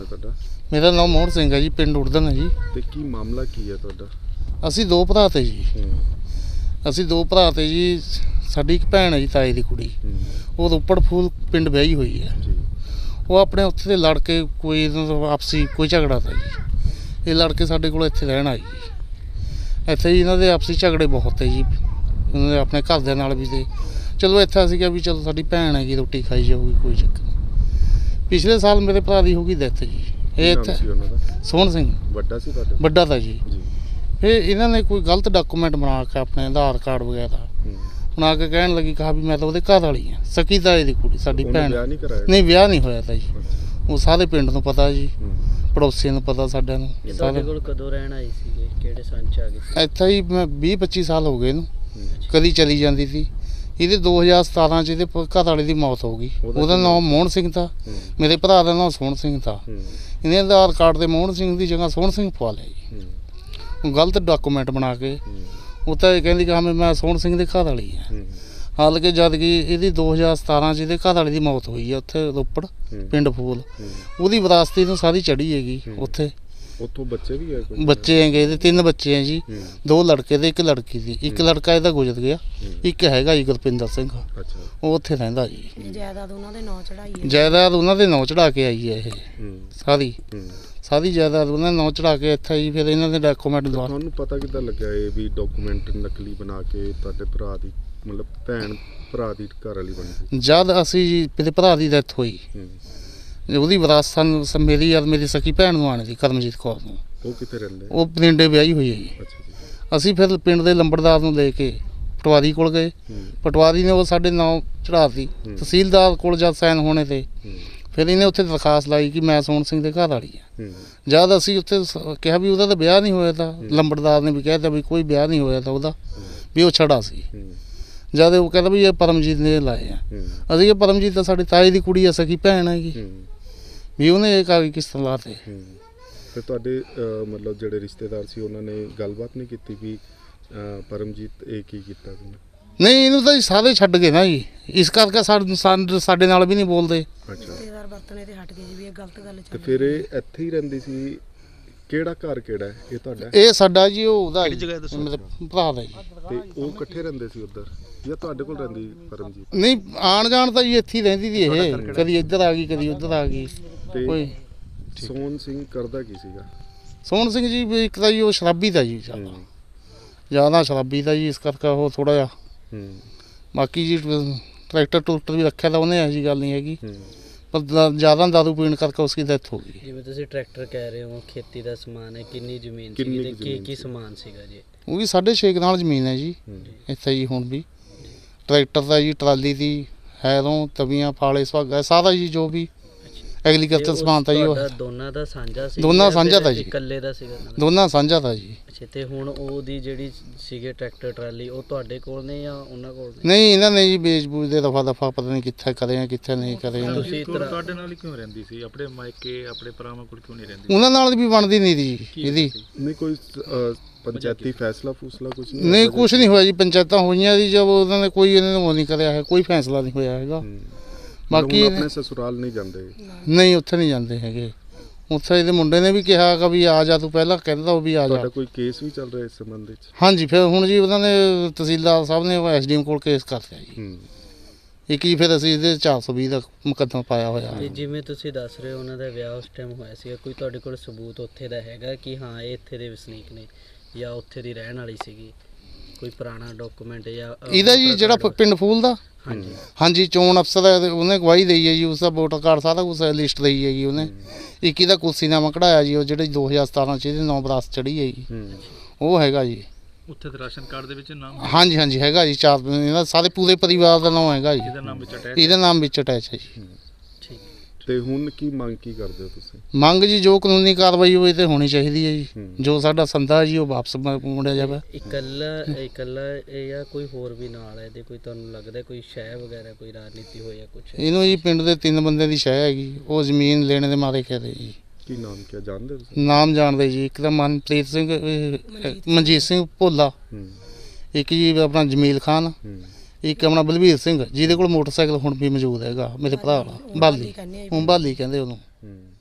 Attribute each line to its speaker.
Speaker 1: ਤੁਹਾਡਾ?
Speaker 2: ਮੇਰਾ ਨਾਮ ਮੋਹਨ ਸਿੰਘ ਹੈ ਜੀ, ਪਿੰਡ ਉੜਦਨ ਹੈ ਜੀ।
Speaker 1: ਤੇ ਕੀ ਮਾਮਲਾ ਕੀ ਹੈ ਤੁਹਾਡਾ?
Speaker 2: ਅਸੀਂ ਦੋ ਭਰਾ ਤੇ ਜੀ। ਅਸੀਂ ਦੋ ਭਰਾ ਤੇ ਜੀ। ਸਾਡੀ ਇੱਕ ਭੈਣ ਹੈ ਜੀ, ਤਾਏ ਦੀ ਕੁੜੀ। ਉਹ ਰੋਪੜ ਫੂਲ ਪਿੰਡ ਵਿਆਹੀ ਹੋਈ ਹੈ। ਉਹ ਆਪਣੇ ਉੱਥੇ ਦੇ ਲੜ ਕੇ ਕੋਈ ਆਪਸੀ ਕੋਈ ਝਗੜਾ ਤਾ ਜੀ। ਇਹ ਲੜ ਕੇ ਸਾਡੇ ਕੋਲ ਇੱਥੇ ਰਹਿਣ ਆਈ ਜੀ। ਇੱਥੇ ਜੀ ਇਹਨਾਂ ਦੇ ਆਪਸੀ ਝਗੜੇ ਬਹੁਤ ਹੈ ਜੀ, ਉਹਨਾਂ ਦੇ ਆਪਣੇ ਘਰਦਿਆਂ ਨਾਲ ਵੀ। ਤੇ ਚਲੋ ਇੱਥੇ ਅਸੀਂ ਕਿਹਾ ਵੀ ਚਲੋ ਸਾਡੀ ਭੈਣ ਹੈਗੀ, ਰੋਟੀ ਖਾਈ ਜਾਊਗੀ, ਕੋਈ ਚੱਕਰ ਨਹੀਂ। ਪਿਛਲੇ ਸਾਲ ਮੇਰੇ ਭਰਾ ਦੀ ਹੋ ਗਈ ਡੈਥ ਜੀ। ਇਹ ਇੱਥੇ ਸੋਹਣ ਸਿੰਘ
Speaker 1: ਵੱਡਾ ਸੀ ਤੁਹਾਡਾ?
Speaker 2: ਵੱਡਾ ਤਾਂ ਜੀ। ਫਿਰ ਇਹਨਾਂ ਨੇ ਕੋਈ ਗਲਤ ਡਾਕੂਮੈਂਟ ਬਣਾ ਕੇ ਆਪਣੇ ਆਧਾਰ ਕਾਰਡ ਵਗੈਰਾ ਬਣਾ ਕੇ ਕਹਿਣ ਲੱਗੀ, ਕਹਾ ਵੀ ਮੈਂ ਤਾਂ ਉਹਦੇ ਘਰ ਵਾਲੀ ਹਾਂ, ਸਕੀ ਤਾਏ ਦੀ ਕੁੜੀ ਸਾਡੀ ਭੈਣ। ਨਹੀਂ, ਵਿਆਹ ਨਹੀਂ ਹੋਇਆ ਤਾਂ ਜੀ। ਉਹ ਸਾਰੇ ਪਿੰਡ ਨੂੰ ਪਤਾ ਜੀ, ਪੜੋਸੀਆਂ ਨੂੰ ਪਤਾ, ਸਾਡਿਆਂ ਨੂੰ।
Speaker 3: ਤੁਹਾਡੇ ਕੋਲ ਕਦੋਂ ਰਹਿਣ ਆਈ ਸੀ? ਕਿਹੜੇ ਸੰਨ ਚ ਆ ਗਈ ਸੀ?
Speaker 2: ਇੱਥੇ ਹੀ ਮੈਂ 20-25 ਸਾਲ ਹੋ ਗਏ ਇਹਨੂੰ। ਕਦੀ ਚਲੀ ਜਾਂਦੀ ਸੀ। ਇਹਦੇ 2017 ਚ ਇਹਦੇ ਘਰ ਵਾਲੇ ਦੀ ਮੌਤ ਹੋ ਗਈ। ਉਹਦਾ ਨਾਮ ਮੋਹਨ ਸਿੰਘ ਥਾ, ਮੇਰੇ ਭਰਾ ਦਾ ਨਾਮ ਸੋਹਣ ਸਿੰਘ ਥਾ। ਇਹਨੇ ਆਧਾਰ ਕਾਰਡ ਤੇ ਮੋਹਨ ਸਿੰਘ ਦੀ ਜਗ੍ਹਾ ਸੋਹਣ ਸਿੰਘ ਪਵਾ ਲਿਆ ਜੀ, ਗਲਤ ਡਾਕੂਮੈਂਟ ਬਣਾ ਕੇ। ਉਹ ਤਾਂ ਇਹ ਕਹਿੰਦੀ ਕਿ ਹਾਂ ਮੈਂ ਸੋਹਣ ਸਿੰਘ ਦੇ ਘਰ ਵਾਲੀ ਹਾਂ। ਹਾਲਾਂਕਿ ਜਦ ਕਿ ਇਹਦੀ 2017 ਚ ਇਹਦੇ ਘਰ ਵਾਲੇ ਦੀ ਮੌਤ ਹੋਈ ਹੈ ਉੱਥੇ ਰੋਪੜ ਪਿੰਡ ਫੂਲ। ਉਹਦੀ ਵਿਰਾਸਤੀ ਨੂੰ ਸਾਰੀ ਚੜੀ ਹੈਗੀ ਉੱਥੇ। ਉੱਥੋਂ ਬੱਚੇ ਵੀ ਹੈ? ਬੱਚੇ ਹੈਗੇ ਇਹਦੇ 3 ਬੱਚੇ ਹੈ ਜੀ, 2 ਲੜਕੇ ਤੇ 1 ਲੜਕੀ ਸੀ। 1 ਲੜਕਾ ਇਹਦਾ ਗੁਜ਼ਰ ਗਿਆ, 1 ਹੈਗਾ ਜੀ ਗੁਰਪਿੰਦਰ ਸਿੰਘ, ਉਹ ਉੱਥੇ ਰਹਿੰਦਾ ਜੀ।
Speaker 4: ਜਾਇਦਾਦ ਉਹਨਾਂ ਦੇ ਨਾਂ ਚੜਾਈ ਹੈ।
Speaker 2: ਜਾਇਦਾਦ ਉਹਨਾਂ ਦੇ ਨਾਂ ਚੜਾ ਕੇ ਆਈ ਹੈ ਇਹ ਸਾਰੀ ਜਾਇਦਾਦ ਉਹਨਾਂ ਦੇ ਨਾਂ ਚੜਾ ਕੇ ਇੱਥੇ ਜੀ। ਫਿਰ ਇਹਨਾਂ ਦੇ ਡਾਕੂਮੈਂਟ ਦੁਆਰਾ
Speaker 1: ਤੁਹਾਨੂੰ ਪਤਾ ਕਿੱਦਾਂ ਲੱਗਿਆ ਇਹ ਵੀ ਡਾਕੂਮੈਂਟ ਨਕਲੀ ਬਣਾ ਕੇ ਤੁਹਾਡੇ ਭਰਾ ਦੀ ਮਤਲਬ ਭੈਣ ਭਰਾ ਦੀ ਘਰ ਵਾਲੀ ਬਣ ਗਈ?
Speaker 2: ਜਦ ਅਸੀਂ ਜੀ ਮੇਰੇ ਭਰਾ ਦੀ ਡੈਥ ਹੋਈ, ਉਹਦੀ ਵਿਰਾਸਤ ਸਾਨੂੰ ਮੇਰੀ ਯਾਰ ਮੇਰੀ ਸਕੀ ਭੈਣ ਨੂੰ ਆਣੀ ਸੀ, ਕਰਮਜੀਤ ਕੌਰ ਨੂੰ।
Speaker 1: ਉਹ ਕਿੱਥੇ ਰਹਿੰਦੇ?
Speaker 2: ਉਹ ਪਿੰਡੇ ਵਿਆਹੀ ਹੋਈ ਹੈ ਜੀ। ਅਸੀਂ ਫਿਰ ਪਿੰਡ ਦੇ ਲੰਬੜਦਾਰ ਨੂੰ ਲੈ ਕੇ ਪਟਵਾਰੀ ਕੋਲ ਗਏ। ਪਟਵਾਰੀ ਨੇ ਉਹ ਸਾਡੇ ਨਾਂ ਚੜਾਤੀ। ਤਹਿਸੀਲਦਾਰ ਕੋਲ ਜਦ ਸਾਈਨ ਹੋਣੇ ਤੇ ਫਿਰ ਇਹਨੇ ਉੱਥੇ ਦਰਖਾਸਤ ਲਾਈ ਕਿ ਮੈਂ ਸੋਹਣ ਸਿੰਘ ਦੇ ਘਰ ਵਾਲੀ ਹਾਂ। ਜਦ ਅਸੀਂ ਉੱਥੇ ਕਿਹਾ ਵੀ ਉਹਦਾ ਤਾਂ ਵਿਆਹ ਨਹੀਂ ਹੋਇਆ ਤਾਂ, ਲੰਬੜਦਾਰ ਨੇ ਵੀ ਕਹਿ ਦਿੱਤਾ ਵੀ ਕੋਈ ਵਿਆਹ ਨਹੀਂ ਹੋਇਆ ਤਾਂ ਉਹਦਾ, ਵੀ ਉਹ ਛੜਾ ਸੀ। ਜਦ ਉਹ ਕਹਿੰਦਾ ਵੀ ਇਹ ਪਰਮਜੀਤ ਨੇ ਲਾਏ ਆ। ਅਸੀਂ ਇਹ ਪਰਮਜੀਤ ਤਾਂ ਸਾਡੇ ਤਾਏ ਦੀ ਕੁੜੀ ਆ, ਸਕੀ ਭੈਣ ਹੈਗੀ, ਵੀ ਉਹਨੇ ਇਹ ਕਾਗਜ਼ ਕਿਸ ਤਰ੍ਹਾਂ ਲਾਤੇ।
Speaker 1: ਤੇ ਤੁਹਾਡੇ ਮਤਲਬ ਜਿਹੜੇ ਰਿਸ਼ਤੇਦਾਰ ਸੀ ਉਹਨਾਂ ਨੇ ਗੱਲਬਾਤ ਨਹੀਂ ਕੀਤੀ ਵੀ ਪਰਮਜੀਤ ਇਹ ਕੀ ਕੀਤਾ ਤੁਸੀਂ?
Speaker 2: ਨਹੀਂ, ਇਹਨੂੰ ਤਾਂ ਸਾਰੇ ਛੱਡ ਗਏ ਨਾ ਜੀ, ਇਸ ਕਰਕੇ ਸਾਡੇ ਨਾਲ ਵੀ ਨਹੀਂ ਬੋਲਦੇ।
Speaker 4: ਰਿਸ਼ਤੇਦਾਰ ਵਰਤਣੇ ਤੇ ਹਟ ਗਏ ਜੀ, ਵੀ ਇਹ ਗਲਤ ਗੱਲ
Speaker 1: ਤੇ ਫਿਰ ਇਹ ਇੱਥੇ ਹੀ ਰਹਿੰਦੀ ਸੀ? ਕਿਹੜਾ ਘਰ ਕਿਹੜਾ ਹੈ ਇਹ ਤੁਹਾਡਾ?
Speaker 2: ਇਹ ਸਾਡਾ ਜੀ, ਉਹ ਉਹਦਾ ਮਤਲਬ ਭਰਾ ਦਾ ਜੀ।
Speaker 1: ਤੇ ਉਹ ਇਕੱਠੇ ਰਹਿੰਦੇ ਸੀ ਉੱਧਰ ਜਾਂ ਤੁਹਾਡੇ ਕੋਲ ਰਹਿੰਦੀ ਪਰਮਜੀਤ?
Speaker 2: ਨਹੀਂ, ਆਣ ਜਾਣ ਤਾਂ ਜੀ ਇੱਥੇ ਹੀ ਰਹਿੰਦੀ ਸੀ ਇਹ, ਕਦੀ ਇੱਧਰ ਆ ਗਈ ਕਦੀ ਉੱਧਰ ਆ ਗਈ। ਕੋਈ
Speaker 1: ਸੋਹਣ ਸਿੰਘ ਕਰਦਾ ਕੀ ਸੀਗਾ?
Speaker 2: ਸੋਹਣ ਸਿੰਘ ਜੀ ਵੀ ਇੱਕ ਤਾਂ ਜੀ ਉਹ ਸ਼ਰਾਬੀ ਦਾ ਜੀ, ਜ਼ਿਆਦਾ ਸ਼ਰਾਬੀ ਦਾ ਜੀ, ਇਸ ਕਰਕੇ ਉਹ ਥੋੜਾ ਜਿਹਾ। ਬਾਕੀ ਜੀ ਟਰੈਕਟਰ ਟਰੂਕਟਰ ਵੀ ਰੱਖਿਆ ਤਾਂ ਉਹਨੇ, ਇਹੋ ਜਿਹੀ ਗੱਲ ਨਹੀਂ ਹੈਗੀ, ਪਰ ਜ਼ਿਆਦਾ ਦਾਰੂ ਪੀਣ ਕਰਕੇ ਉਸकी ਡੈਥ ਹੋ ਗਈ।
Speaker 3: ਜਿਵੇਂ ਤੁਸੀਂ ਟਰੈਕਟਰ ਕਹਿ ਰਹੇ ਹੋ, ਖੇਤੀ ਦਾ ਸਮਾਨ ਹੈ, ਕਿੰਨੀ ਜ਼ਮੀਨ ਸੀ ਤੇ ਕੀ ਸਮਾਨ ਸੀਗਾ ਜੀ? ਉਹ
Speaker 2: ਵੀ 6.5 ਕਨਾਲ ਜ਼ਮੀਨ ਹੈ ਜੀ ਇੱਥੇ ਜੀ। ਹੁਣ ਵੀ ਟਰੈਕਟਰ ਦਾ ਜੀ, ਟਰਾਲੀ ਦੀ, ਹੈਰੋਂ, ਤਵੀਆਂ, ਫਾਲੇ, ਸੁਹਾਗਾ, ਸਾਰਾ ਜੀ ਜੋ ਵੀ ਐਗਰੀਕਲਚਰ ਸਮਾਨ ਤਾਂ ਜੀ ਉਹ
Speaker 3: ਦੋਨਾਂ ਦਾ ਸਾਂਝਾ ਸੀ?
Speaker 2: ਦੋਨਾਂ ਸਾਂਝਾ ਤਾਂ ਜੀ,
Speaker 3: ਇਕੱਲੇ ਦਾ ਸੀਗਾ?
Speaker 2: ਦੋਨਾਂ ਸਾਂਝਾ ਤਾਂ ਜੀ।
Speaker 3: ਅੱਛਾ, ਤੇ ਹੁਣ ਉਹਦੀ ਜਿਹੜੀ ਸੀਗੇ ਟਰੈਕਟਰ ਟਰਾਲੀ, ਉਹ ਤੁਹਾਡੇ ਕੋਲ ਨੇ ਜਾਂ ਉਹਨਾਂ ਕੋਲ ਨੇ?
Speaker 2: ਨਹੀਂ, ਇਹਨਾਂ ਨੇ ਜੀ ਵੇਚ ਬੂਝ ਦੇ ਦਫਾ ਪਤਾ ਨਹੀਂ ਕਿੱਥੇ ਕਰੇ ਆ ਕਿੱਥੇ ਨਹੀਂ ਕਰੇ।
Speaker 3: ਤੁਸੀਂ
Speaker 5: ਤੁਹਾਡੇ ਨਾਲ ਹੀ ਕਿਉਂ ਰਹਿੰਦੀ ਸੀ? ਆਪਣੇ ਮਾਇਕੇ ਆਪਣੇ ਭਰਾਵਾਂ ਕੋਲ ਕਿਉਂ ਨਹੀਂ ਰਹਿੰਦੀ?
Speaker 2: ਉਹਨਾਂ ਨਾਲ ਵੀ ਬਣਦੀ ਨਹੀਂ ਜੀ ਇਹਦੀ।
Speaker 1: ਨਹੀਂ ਕੋਈ ਪੰਚਾਇਤੀ ਫੈਸਲਾ ਫੂਸਲਾ ਕੁਝ
Speaker 2: ਨਹੀਂ, ਕੁਝ ਨਹੀਂ ਹੋਇਆ ਜੀ। ਪੰਚਾਇਤਾਂ ਹੋਈਆਂ ਜੀ, ਜਦ ਉਹਨਾਂ ਨੇ ਕੋਈ ਇਹਨਾਂ ਨੂੰ ਉਹ ਨਹੀਂ ਕਰਿਆ ਹੈ, ਕੋਈ ਫੈਸਲਾ ਨਹੀਂ ਹੋਇਆ ਹੈਗਾ। ਬਾਕੀ
Speaker 1: ਆਪਣੇ ਸਸੁਰਾਲ ਨਹੀਂ ਜਾਂਦੇ?
Speaker 2: ਨਹੀਂ, ਉੱਥੇ ਨਹੀਂ ਜਾਂਦੇ ਹੈਗੇ। ਉੱਥੇ ਇਹਦੇ ਮੁੰਡੇ ਨੇ ਵੀ ਕਿਹਾ ਕਿ ਵੀ ਆ ਜਾ, ਤੂੰ ਪਹਿਲਾਂ ਕਹਿੰਦਾ ਉਹ ਵੀ ਆ ਜਾ।
Speaker 1: ਤੁਹਾਡਾ ਕੋਈ ਕੇਸ ਵੀ ਚੱਲ ਰਿਹਾ ਇਸ ਸੰਬੰਧ ਵਿੱਚ?
Speaker 2: ਹਾਂਜੀ, ਫਿਰ ਹੁਣ ਜੀ ਉਹਨਾਂ ਨੇ ਤਹਿਸੀਲਦਾਰ ਸਾਹਿਬ ਨੇ ਐਸਡੀਐਮ ਕੋਲ ਕੇਸ ਕਰਤਾ ਜੀ। ਇੱਕ ਜੀ ਫਿਰ ਅਸੀਂ ਇਹਦੇ 420 ਦਾ ਮੁਕੱਦਮਾ ਪਾਇਆ ਹੋਇਆ ਹੈ।
Speaker 3: ਜਿਵੇਂ ਤੁਸੀਂ ਦੱਸ ਰਹੇ ਹੋ ਉਹਨਾਂ ਦਾ ਵਿਆਹ ਉਸ ਟਾਈਮ ਹੋਇਆ ਸੀਗਾ, ਕੋਈ ਤੁਹਾਡੇ ਕੋਲ ਸਬੂਤ ਉੱਥੇ ਦਾ ਹੈਗਾ ਕਿ ਹਾਂ ਇਹ ਇੱਥੇ ਦੇ ਵਸਨੀਕ ਨੇ ਜਾਂ ਉੱਥੇ ਦੀ ਰਹਿਣ ਵਾਲੀ ਸੀਗੀ? ਕੋਈ ਪੁਰਾਣਾ ਡਾਕੂਮੈਂਟ ਜਾਂ
Speaker 2: ਇਹਦਾ ਜੀ ਜਿਹੜਾ ਪਿੰਡ ਫੂਲ ਦਾ? ਹਾਂਜੀ, ਚੋਣ ਅਫਸਰ ਉਹਨੇ ਗਵਾਹੀ ਦਈ ਹੈ ਜੀ, ਉਸਦਾ ਵੋਟਰ ਕਾਰਡ ਸਾਰਾ ਕੁਛ ਲਿਸਟ ਦਈ ਹੈ ਜੀ ਉਹਨੇ। ਇੱਕ ਇਹਦਾ ਕੁਰਸੀਨਾਮਾ ਕਢਾਇਆ ਜੀ, ਉਹ ਜਿਹੜੇ 2017 ਚ ਇਹਦੇ ਨਾਮ ਵਿਰਾਸਤ ਚੜੀ ਹੈ ਜੀ, ਉਹ ਹੈਗਾ ਜੀ
Speaker 5: ਉੱਥੇ ਤੇ ਰਾਸ਼ਨ ਕਾਰਡ ਦੇ ਵਿੱਚ ਨਾਮ?
Speaker 2: ਹਾਂਜੀ ਹਾਂਜੀ ਹੈਗਾ ਜੀ, 4 ਇਹਨਾਂ ਸਾਰੇ ਪੂਰੇ ਪਰਿਵਾਰ ਦਾ ਨਾਮ ਹੈਗਾ ਜੀ, ਇਹਦਾ ਨਾਮ ਵਿੱਚ ਅਟੈਚ ਹੈ ਜੀ।
Speaker 1: ਤੇ ਹੁਣ ਕੀ ਮੰਗ ਕੀ ਕਰਦੇ ਹੋ ਤੁਸੀਂ?
Speaker 2: ਮੰਗ ਜੀ ਜੋ ਕਾਨੂੰਨੀ ਕਾਰਵਾਈ ਹੋਈ ਤੇ ਹੋਣੀ ਚਾਹੀਦੀ ਹੈ ਜੀ। ਜੋ ਸਾਡਾ ਸੰਦਾ ਜੀ ਉਹ ਵਾਪਸ ਮੁੜਿਆ ਜਾਵੇ।
Speaker 3: ਇਕੱਲਾ ਇਹ ਜਾਂ ਕੋਈ ਹੋਰ ਵੀ ਨਾਲ ਹੈ ਇਹਦੇ? ਕੋਈ ਤੁਹਾਨੂੰ ਲੱਗਦਾ ਕੋਈ ਸ਼ੈ ਵਗੈਰਾ ਕੋਈ ਰਾਜਨੀਤੀ ਹੋਈ ਜਾਂ ਕੁਝ?
Speaker 2: ਇਹਨੂੰ ਜੀ ਪਿੰਡ ਦੇ 3 ਬੰਦੇ ਦੀ ਸ਼ੈ ਹੈਗੀ, ਉਹ ਜ਼ਮੀਨ ਲੈਣ ਦੇ ਮਾਰੇ ਕਹਦੇ ਜੀ।
Speaker 1: ਕੀ ਨਾਮ ਕਿਆ ਜਾਣਦੇ ਹੋ ਤੁਸੀਂ?
Speaker 2: ਨਾਮ ਜਾਣਦੇ ਜੀ, ਇੱਕ ਤਾਂ ਮਨਪ੍ਰੀਤ ਸਿੰਘ, ਮਨਜੀਤ ਸਿੰਘ ਭੋਲਾ, ਇੱਕ ਜੀ ਆਪਣਾ ਜਮੀਲ ਖਾਨ, ਇੱਕ ਆਪਣਾ ਬਲਵੀਰ ਸਿੰਘ, ਜਿਹਦੇ ਕੋਲ ਮੋਟਰਸਾਈਕਲ ਹੁਣ ਵੀ ਮੌਜੂਦ ਹੈਗਾ, ਮੇਰੇ ਭਰਾ ਵਾਲਾ ਬਾਲੀ, ਹੁਣ ਬਾਲੀ ਕਹਿੰਦੇ ਉਹਨੂੰ।